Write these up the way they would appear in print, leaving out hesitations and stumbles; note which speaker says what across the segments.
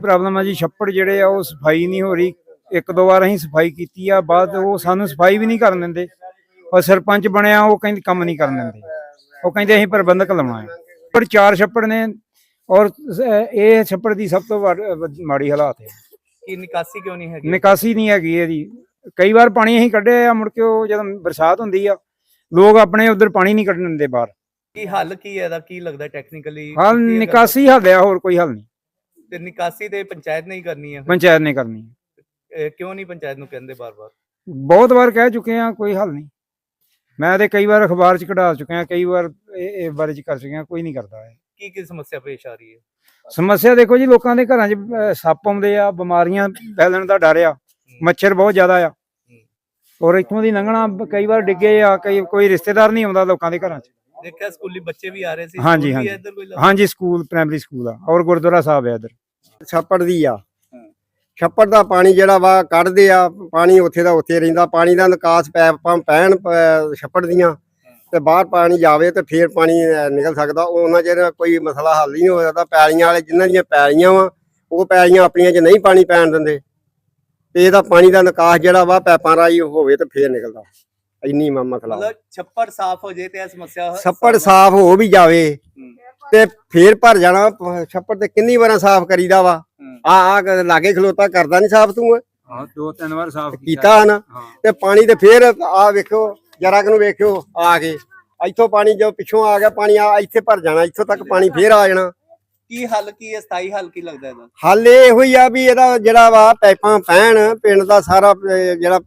Speaker 1: Problem ਆ ਜੀ, ਛੱਪੜ ਜਿਹੜੇ ਆ ਉਹ ਸਫਾਈ ਨਹੀਂ ਹੋ ਰਹੀ। ਇੱਕ ਦੋ ਵਾਰ ਅਸੀਂ ਸਫਾਈ ਕੀਤੀ ਆ, ਬਾਅਦ ਉਹ ਸਾਨੂੰ ਸਫਾਈ ਵੀ ਨਹੀਂ ਕਰਨ ਦਿੰਦੇ। ਔਰ ਸਰਪੰਚ ਬਣਿਆ ਉਹ ਕਹਿੰਦੇ ਕੰਮ ਨਹੀਂ ਕਰਨ ਦਿੰਦੇ, ਉਹ ਕਹਿੰਦੇ ਅਸੀਂ ਪ੍ਰਬੰਧਕ ਲਾਉਣਾ ਹੈ। ਪਰ 4 ਛੱਪੜ ਨੇ ਔਰ ਇਹ ਛੱਪੜ ਦੀ ਸਭ ਤੋਂ ਮਾੜੀ ਹਾਲਾਤ ਹੈ
Speaker 2: ਕਿ ਨਿਕਾਸੀ ਕਿਉਂ ਨਹੀਂ ਹੈਗੀ?
Speaker 1: ਨਿਕਾਸੀ ਨਹੀਂ ਹੈਗੀ ਇਹਦੀ। ਕਈ ਵਾਰ ਪਾਣੀ ਅਸੀਂ ਕੱਢਿਆ ਆ, ਮੁੜ ਕੇ ਉਹ ਜਦੋਂ ਬਰਸਾਤ ਹੁੰਦੀ ਆ ਲੋਕ ਆਪਣੇ ਉਧਰ ਪਾਣੀ ਨਹੀਂ ਕੱਢਣ ਦਿੰਦੇ ਬਾਹਰ।
Speaker 2: ਕੀ ਹੱਲ ਕੀ ਹੈ ਇਹਦਾ? ਕੀ ਲੱਗਦਾ ਟੈਕਨੀਕਲੀ
Speaker 1: ਹੱਲ ਨਿਕਾਸੀ ਹੱਲ ਆ, ਹੋਰ ਕੋਈ ਹੱਲ ਨਹੀਂ।
Speaker 2: ਤੇ ਨਿਕਾਸੀ ਤੇ ਪੰਚਾਇਤ ਨੇ ਹੀ ਕਰਨੀ ਹੈ?
Speaker 1: ਪੰਚਾਇਤ ਨੇ ਕਰਨੀ ਹੈ।
Speaker 2: ਕਿਉਂ ਨਹੀਂ ਪੰਚਾਇਤ ਨੂੰ ਕਹਿੰਦੇ ਬਾਰ-ਬਾਰ?
Speaker 1: ਬਹੁਤ ਵਾਰ ਕਹਿ ਚੁੱਕੇ ਆ, ਕੋਈ ਹੱਲ ਨਹੀਂ। ਮੈਂ ਤੇ ਕਈ ਵਾਰ ਅਖਬਾਰ 'ਚ ਕਢਾ ਚੁੱਕਿਆ, ਕਈ ਵਾਰ ਇਹ ਬਾਰੇ 'ਚ ਕਰ ਚੁੱਕਿਆ, ਕੋਈ ਨਹੀਂ ਕਰਦਾ ਹੈ।
Speaker 2: ਕੀ ਸਮੱਸਿਆ ਪੇਸ਼ ਆ ਰਹੀ ਹੈ?
Speaker 1: ਸਮੱਸਿਆ ਦੇਖੋ ਜੀ, ਲੋਕਾਂ ਦੇ ਘਰਾਂ 'ਚ ਸੱਪ ਆਉਂਦੇ ਆ, ਬਿਮਾਰੀਆਂ ਫੈਲਣ ਦਾ ਡਰ ਆ, ਮੱਛਰ ਬਹੁਤ ਜ਼ਿਆਦਾ ਆ। ਔਰ ਇੱਥੋਂ ਦੀ ਲੰਘਣਾ ਕਈ ਵਾਰ ਡਿੱਗੇ ਆ, ਕੋਈ ਰਿਸ਼ਤੇਦਾਰ ਨਹੀਂ ਆਉਂਦਾ ਲੋਕਾਂ ਦੇ ਘਰਾਂ 'ਚ।
Speaker 2: ਦੇਖਿਆ ਸਕੂਲੀ ਬੱਚੇ ਵੀ ਆ ਰਹੇ ਸੀ।
Speaker 1: ਹਾਂਜੀ ਹਾਂਜੀ ਹਾਂਜੀ, ਸਕੂਲ ਪ੍ਰਾਇਮਰੀ ਸਕੂਲ ਆ ਔਰ ਗੁਰਦੁਆਰਾ ਸਾਹਿਬ ਆ ਇੱਧਰ।
Speaker 3: ਛੱਪੜ ਦੀ ਆ, ਛੱਪੜ ਦਾ ਪਾਣੀ ਜਿਹੜਾ ਵਾ ਕੱਢਦੇ ਆ, ਪਾਣੀ ਉੱਥੇ ਦਾ ਉੱਥੇ ਰਹਿੰਦਾ। ਪਾਣੀ ਦਾ ਨਿਕਾਸ ਪੈਪਾਂ ਪੈਣ ਛੱਪੜ ਦੀਆਂ ਤੇ ਬਾਹਰ ਪਾਣੀ ਜਾਵੇ ਤੇ ਫੇਰ ਪਾਣੀ ਨਿਕਲ ਸਕਦਾ। ਉਹਨਾਂ ਚਿਰ ਕੋਈ ਮਸਲਾ ਹੱਲ ਨਹੀਂ ਹੋ ਸਕਦਾ। ਪੈਲੀਆਂ ਵਾਲੇ ਜਿਨ੍ਹਾਂ ਦੀਆਂ ਪੈਲੀਆਂ ਵਾ, ਉਹ ਪੈਲੀਆਂ ਆਪਣੀਆਂ 'ਚ ਨਹੀਂ ਪਾਣੀ ਪੈਣ ਦਿੰਦੇ ਤੇ ਇਹਦਾ ਪਾਣੀ ਦਾ ਨਿਕਾਸ ਜਿਹੜਾ ਵਾ ਪੈਪਾਂ ਰਾਹੀਂ ਹੋਵੇ ਤੇ ਫੇਰ ਨਿਕਲਦਾ। ਇੰਨੀ ਮਸਲਾ।
Speaker 2: ਮਤਲਬ ਛੱਪੜ ਸਾਫ਼ ਹੋ ਜੇ ਤੇ ਇਹ ਸਮੱਸਿਆ
Speaker 3: ਛੱਪੜ ਸਾਫ਼ ਹੋ ਵੀ ਜਾਵੇ ਤੇ ਫੇਰ ਭਰ ਜਾਣਾ। ਛੱਪੜ ਤੇ ਕਿੰਨੀ ਵਾਰਾਂ ਸਾਫ਼ ਕਰੀਦਾ ਵਾ। ਆ ਲਾਗੇ ਖਲੋਤਾ ਕਰਦਾ ਨਹੀਂ ਸਾਫ਼ ਤੂੰ?
Speaker 1: ਹਾਂ, 2-3 ਵਾਰ ਸਾਫ਼
Speaker 3: ਕੀਤਾ ਨਾ। ਤੇ ਪਾਣੀ ਤੇ ਫੇਰ ਆ ਵੇਖੋ ਜਰਾ ਨੂੰ, ਵੇਖਿਓ ਆ ਕੇ ਇੱਥੋਂ ਪਾਣੀ ਜੋ ਪਿੱਛੋਂ ਆ ਗਿਆ ਪਾਣੀ ਆ ਇੱਥੇ ਭਰ ਜਾਣਾ, ਇੱਥੋਂ ਤੱਕ ਪਾਣੀ ਫੇਰ ਆ ਜਾਣਾ।
Speaker 2: ਕੀ ਹੱਲ ਕੀ ਹੈ? ਸਥਾਈ ਹੱਲ ਕੀ ਲੱਗਦਾ ਇਹਦਾ?
Speaker 3: ਹੱਲ ਇਹੋ ਹੀ ਆ ਵੀ ਇਹਦਾ ਜਿਹੜਾ ਵਾ ਪਾਈਪਾਂ ਪੈਣ, ਪਿੰਡ ਦਾ ਸਾਰਾ ਜਿਹੜਾ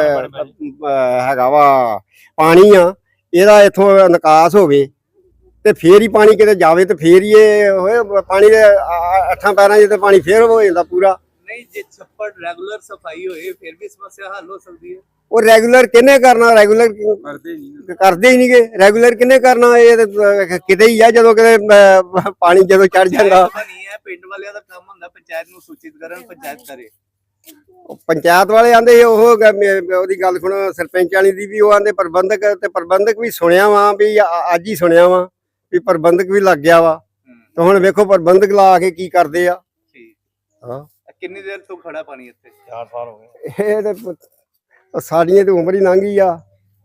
Speaker 3: ਹੈਗਾ ਵਾ ਪਾਣੀ ਆ, ਇਹਦਾ ਇੱਥੋਂ ਨਿਕਾਸ ਹੋਵੇ ਤੇ ਫੇਰ ਹੀ ਪਾਣੀ ਕਿਤੇ ਜਾਵੇ ਤੇ ਫੇਰ ਹੀ ਇਹ ਹੋਏ। ਪਾਣੀ ਦੇ 8 ਪੈਰਾਂ 'ਚ ਤੇ ਪਾਣੀ ਫੇਰ ਹੋ ਜਾਂਦਾ ਪੂਰਾ।
Speaker 2: ਨਹੀਂ, ਜੇ ਛੱਪੜ ਰੈਗੂਲਰ ਸਫਾਈ ਹੋਏ ਫਿਰ ਵੀ ਸਮੱਸਿਆ ਹੱਲ ਹੋ ਸਕਦੀ ਹੈ।
Speaker 3: ਉਹ ਰੈਗੂਲਰ ਕਿਹਨੇ ਕਰਨਾ? ਰੈਗੂਲਰ ਕਰਦੇ ਹੀ ਨਹੀਂਗੇ। ਰੈਗੂਲਰ ਕਿਹਨੇ ਕਰਨਾ? ਇਹ ਕਿਤੇ ਹੀ ਆ ਜਦੋਂ ਕਿਤੇ ਪਾਣੀ ਜਦੋਂ ਚੜ ਜਾਂਦਾ।
Speaker 2: ਨਹੀਂ ਹੈ, ਪਿੰਡ ਵਾਲਿਆਂ ਦਾ ਕੰਮ ਹੁੰਦਾ ਪੰਚਾਇਤ ਨੂੰ ਸੂਚਿਤ ਕਰਨ, ਪੰਚਾਇਤ ਕਰੇ।
Speaker 3: ਪੰਚਾਇਤ ਵਾਲੇ ਆਂਦੇ ਉਹ ਉਹਦੀ ਗੱਲ ਸੁਣੋ, ਸਰਪੰਚ ਵਾਲੀ ਦੀ ਵੀ ਉਹ ਆਂਦੇ ਪ੍ਰਬੰਧਕ, ਤੇ ਪ੍ਰਬੰਧਕ ਵੀ ਸੁਣਿਆ ਵਾ ਵੀ ਅੱਜ ਹੀ ਸੁਣਿਆ ਵਾ ਵੀ ਪ੍ਰਬੰਧਕ ਵੀ ਲੱਗ ਗਿਆ ਵਾ। ਤੇ ਹੁਣ ਵੇਖੋ ਪ੍ਰਬੰਧਕ ਲਾ ਕੇ ਕੀ ਕਰਦੇ ਆ। ਹਾਂ,
Speaker 2: ਕਿੰਨੀ ਦੇਰ ਤੋਂ ਖੜਾ ਪਾਣੀ ਇੱਥੇ? 4 ਸਾਲ ਹੋ ਗਏ।
Speaker 3: ਇਹ ਤੇ ਸਾਡੀਆਂ ਤੇ ਉਮਰ ਹੀ ਲੰਘ ਗਈ ਆ।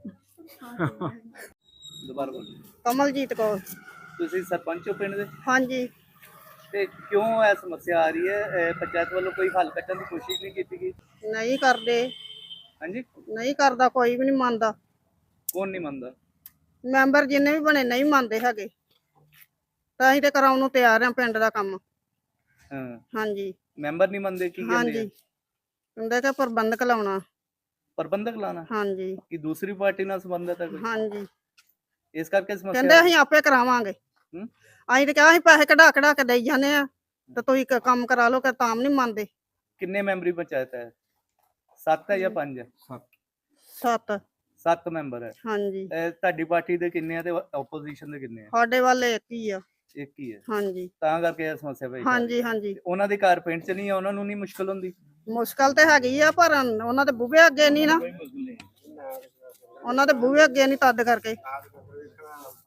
Speaker 2: ਦੁਬਾਰਾ ਬੋਲੋ।
Speaker 4: ਕਮਲਜੀਤ ਕੌਰ।
Speaker 2: ਤੁਸੀਂ ਸਰਪੰਚ ਹੋ ਪਿੰਡ ਦੇ?
Speaker 4: ਹਾਂਜੀ।
Speaker 2: ਤੇ ਕਿਉਂ ਇਹ ਸਮੱਸਿਆ ਆ ਰਹੀ ਹੈ? ਪੰਚਾਇਤ ਵੱਲੋਂ ਕੋਈ ਹੱਲ ਕੱਢਣ ਦੀ ਕੋਸ਼ਿਸ਼ ਨਹੀਂ ਕੀਤੀ ਗਈ?
Speaker 4: ਨਹੀਂ ਕਰਦੇ।
Speaker 2: ਹਾਂਜੀ,
Speaker 4: ਨਹੀਂ ਕਰਦਾ, ਕੋਈ ਵੀ ਨਹੀਂ ਮੰਨਦਾ।
Speaker 2: ਕੌਣ ਨਹੀਂ ਮੰਨਦਾ?
Speaker 4: ਮੈਂਬਰ ਜਿੰਨੇ ਵੀ ਬਣੇ ਨਹੀਂ ਮੰਨਦੇ ਹੈਗੇ। ਤਾਂ ਅਸੀਂ ਤੇ ਕਰਾਉਣ ਨੂੰ ਤਿਆਰ ਆ ਪਿੰਡ ਦਾ ਕੰਮ।
Speaker 2: ਹਾਂ,
Speaker 4: ਹਾਂਜੀ।
Speaker 2: ਮੈਂਬਰ ਨਹੀਂ ਮੰਨਦੇ? ਕੀ ਕਹਿੰਦੇ?
Speaker 4: ਹਾਂਜੀ, ਕਹਿੰਦੇ ਕਿ ਪ੍ਰਬੰਧਕ ਲਾਉਣਾ।
Speaker 2: ਪ੍ਰਬੰਧਕ ਲਾਣਾ?
Speaker 4: ਹਾਂਜੀ।
Speaker 2: ਕਿ ਦੂਸਰੀ ਪਾਰਟੀ ਨਾਲ ਸੰਬੰਧਤ ਹੈ ਕੋਈ?
Speaker 4: ਹਾਂਜੀ,
Speaker 2: ਇਸ ਕਰਕੇ ਸਮੱਸਿਆ
Speaker 4: ਕਹਿੰਦੇ ਅਸੀਂ ਆਪੇ ਕਰਾਵਾਂਗੇ। ਅਸੀਂ ਤੇ ਕਿਹਾ ਅਸੀਂ ਪੈਸੇ ਕਢਾ ਕੇ ਦੇਈ ਜਾਂਦੇ ਆ ਤੇ ਤੁਸੀਂ ਕੰਮ ਕਰਾ ਲਓ, ਕਿ ਤਾਂ ਨਹੀਂ ਮੰਨਦੇ।
Speaker 2: ਕਿੰਨੇ ਮੈਂਬਰੀ ਪੰਚਾਇਤ ਹੈ? 7 ਹੈ ਜਾਂ 5 ਹੈ?
Speaker 4: 7।
Speaker 2: 7 ਮੈਂਬਰ ਹੈ।
Speaker 4: ਹਾਂਜੀ।
Speaker 2: ਤੁਹਾਡੀ ਪਾਰਟੀ ਦੇ ਕਿੰਨੇ ਆ ਤੇ ਆਪੋਜੀਸ਼ਨ ਦੇ ਕਿੰਨੇ ਆ?
Speaker 4: ਸਾਡੇ ਵੱਲ ਇੱਕ ਹੀ ਆ।
Speaker 2: ਇੱਕ ਹੀ ਹੈ।
Speaker 4: ਹਾਂਜੀ।
Speaker 2: ਤਾਂ ਕਰਕੇ ਇਹ ਸਮੱਸਿਆ ਪਈ।
Speaker 4: ਹਾਂਜੀ ਹਾਂਜੀ।
Speaker 2: ਉਹਨਾਂ ਦੇ ਘਰ ਪਿੰਡ 'ਚ ਨਹੀਂ ਆ, ਉਹਨਾਂ ਨੂੰ ਨਹੀਂ ਮੁਸ਼ਕਲ ਹੁੰਦੀ?
Speaker 4: ਮੁਸ਼ਕਲ ਤੇ ਹੈਗੀ ਆ, ਪਰ ਉਹਨਾਂ ਦੇ ਬੂਹੇ ਅੱਗੇ ਨਹੀਂ ਨਾ, ਉਹਨਾਂ ਦੇ ਬੂਹੇ ਅੱਗੇ ਨਹੀਂ, ਤਦ ਕਰਕੇ।